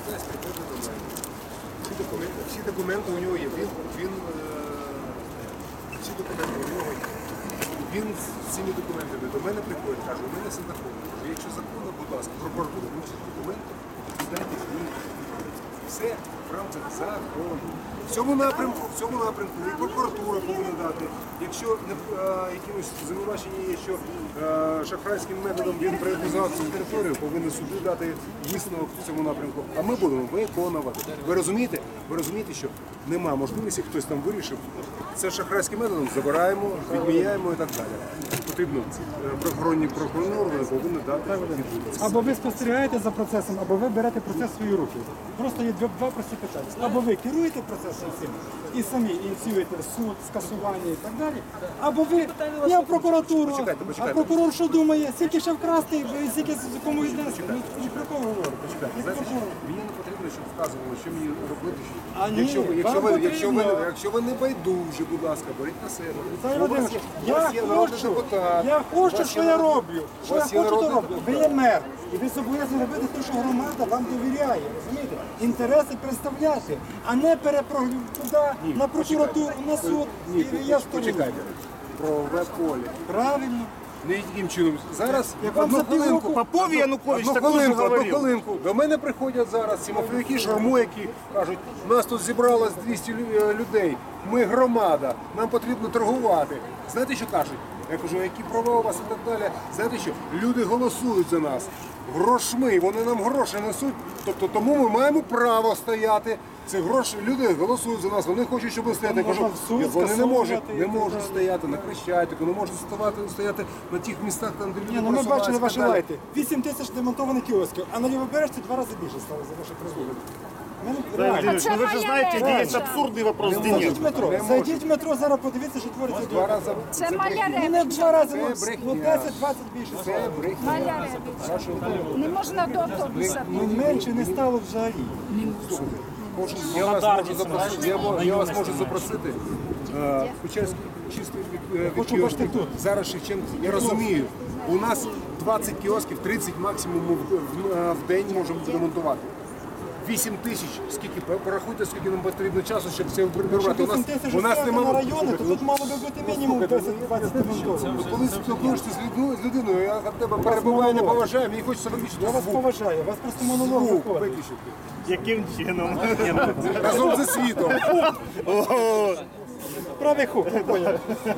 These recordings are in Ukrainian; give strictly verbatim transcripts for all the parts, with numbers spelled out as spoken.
Микитась приходить до мене. Всі документи, всі документи у нього є. Він, він, е, всі документи у нього є. Він з цими документами до мене приходить, каже, у мене все законно. Кажу, якщо законно, будь ласка, прокуратура вручить документи, віддайте мені. Все в рамках закону. В цьому напрямку, в цьому напрямку і прокуратура повинна дати. Якщо не, е, якимось звинувачення є, що е, шахрайським методом він приватизував цю територію, повинні суди дати висновок в цьому напрямку. А ми будемо виконувати. Ви розумієте? Ви розумієте, що нема можливості, хтось там вирішив. Це шахрайським методом забираємо, відміняємо і так далі. Потрібно е, правоохоронні прокурори повинні дати відповідь. Або ви спостерігаєте за процесом, або ви берете процес в свої руки. Просто є два, два прості питання. Або ви керуєте процесом цим і самі ініціюєте суд, скасування і так далі, або ви я в прокуратуру, Почекайте, почекайте. а прокурор що думає, скільки ще вкрасти, скільки кому віднести. Ні про кого говорите. Знаєте, що мені не потрібно, щоб вказували, що мені робити. Що... А ні, якщо, ви, якщо, вам ви, якщо, ви, потрібно. якщо ви не байдужі, будь ласка, беріть на себе. Віталій У вас Володимирович, є- у я вас є народний хочу, депутат. я У хочу, вас що є я народ- роблю. у Що я вас є хочу, то народний роблю. Ви депутат. є мер. І ви зобов'язані робити те, що громада вам довіряє. Розумієте? Інтереси представляти, а не перепрогнути туди, на прокуратуру, на суд. Ні, І я стою. почекайте. Про веб-полі. Правильно. Не яким чином. Зараз Як вам одну за хвилинку. півроку- Попов Янукович Одну також хвилинку, одну говорив. хвилинку. До мене приходять зараз ці мафіяки, шарму, які кажуть, у нас тут зібралось двісті лю- людей, ми громада, нам потрібно торгувати. Знаєте, що кажуть? Я кажу, які права у вас і так далі. Знаєте що? Люди голосують за нас. Грошми, вони нам гроші несуть, тобто тому ми маємо право стояти. Це гроші, люди голосують за нас, вони хочуть, щоб ми стояли. Я кажу, Можна в суд вони не можуть, скасовувати і не так можуть далі. стояти на Хрещатику, не можуть стояти, стояти на тих містах, там, де люди Ні, ну ми просуваються бачили і так ваші далі. лайти. вісім тисяч демонтованих кіосків, а на Лівобережці два рази більше стало за ваші призводи. Владимирович, ну вы же знаете, где есть абсурдный вопрос, где Зайдіть нет. в метро, Не зайдіть в метро, зараз подивіться, що твориться Два тут. рази Це Ну, Маляревич. не два рази, ну, Це брехня. ну десять-двадцять більше. Це брехня. Маляревич. Не можна до автобуса. Ну менше не стало взагалі. Можу, я, вас можу запросити, я, ва- я вас можу запросити. Е, Печерський чистий від, е, від Хочу кіосків. бачити тут. Зараз Шевченко, я розумію, у нас двадцять кіосків, тридцять максимум в, в, в день можемо ремонтувати. вісім тисяч, скільки, порахуйте, скільки нам потрібно часу, щоб це прибирати. У нас, вісім тисяч у нас на немає... райони, то тут мало би бути мінімум десять-двадцять демонтованих. Коли спілкуєшся з людиною, з людиною, я від тебе перебуваю, не поважаю, мені хочеться виключити Я вас звук. поважаю, у вас просто монолог Звук виходить. виключити. Яким чином? Разом зі світом. Правий хук, я поняв.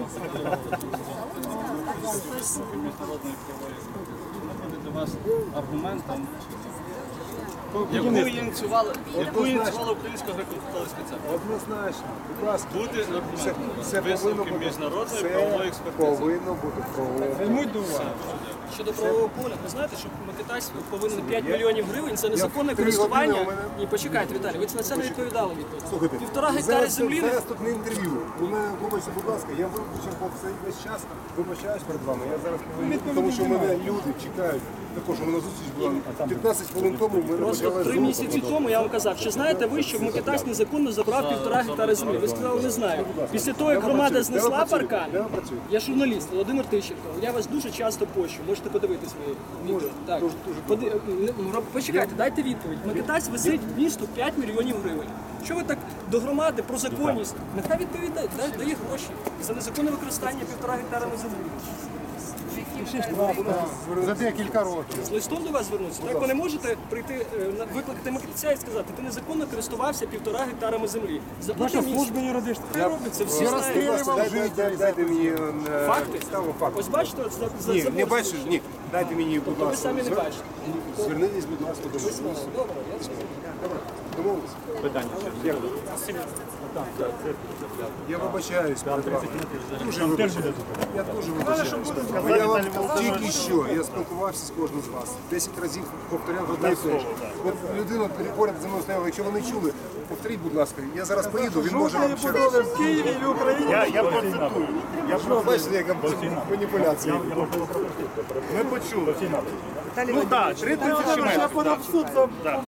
вас аргументом, яку ініціювала, яку ініціювала Українська греко-католицька церква. Однозначно. Будь ласка. Бути Це, аргументом. це повинно Висновки бути. міжнародної Це правової експертизи. повинно бути правової. Візьмуть до уваги. Щодо правового поля, ви знаєте, що Микитась повинен п'ять мільйонів гривень за незаконне три користування. години у мене- Ні, почекайте, Віталій, ви на це не відповідали відповідь. Слухайте, Півтора гектари зараз, землі. зараз тут не інтерв'ю. У мене, вибачте, будь ласка, я виключив цей весь час, вибачаюсь перед вами. Я зараз повинен, тому що мене люди чекають. Також у мене зустріч була п'ятнадцять хвилин тому. в мене Просто почалась три знову місяці робота. тому я вам казав, чи знаєте ви, що Микитась незаконно забрав півтора гектари землі? Ви сказали, не знаю. Після того, як громада знесла паркан, Де ви працюєте? я журналіст Володимир Тищенко, я вас дуже часто пощу, можете подивитись мої відео. Так. Поди- не- ну, Почекайте, дайте відповідь. Микитась висить місту п'ять мільйонів гривень. Що ви так до громади про законність? Нехай відповідає, дай- дає гроші за незаконне використання півтора гектара на землі. За декілька років. З листом до вас звернутися. Так ви не можете прийти, е, на- викликати Микитця і сказати, ти незаконно користувався півтора гектарами землі. Заплати Ваша місяць. служба юридична. Хай робить це всі Я знають. розстрілював життя. Дайте, дайте мені е, Факти? підставу факту. Ось бачите, от за, за, Ні, за не бачиш, ні. Дайте мені, будь ви ласка. самі не звер- бачите. Звернитесь, будь ласка, до мене. Добре, я це. Домовились? Питання. Я вибачаюсь перед вами. Дуже вибачаюсь. Я дуже вибачаюсь. Бо Я вам тільки що, я спілкувався з кожним з вас. Десять разів повторяв одне і те ж. От людина поряд зі мною стояла, якщо ви не чули, повторіть, будь ласка. Я зараз поїду, він може вам ще раз. в Києві і в Україні. Я, я процитую. Я Ну, бачите, яка маніпуляція. Ми почули. Ну так, три тисячі Я метрів. подав в суд за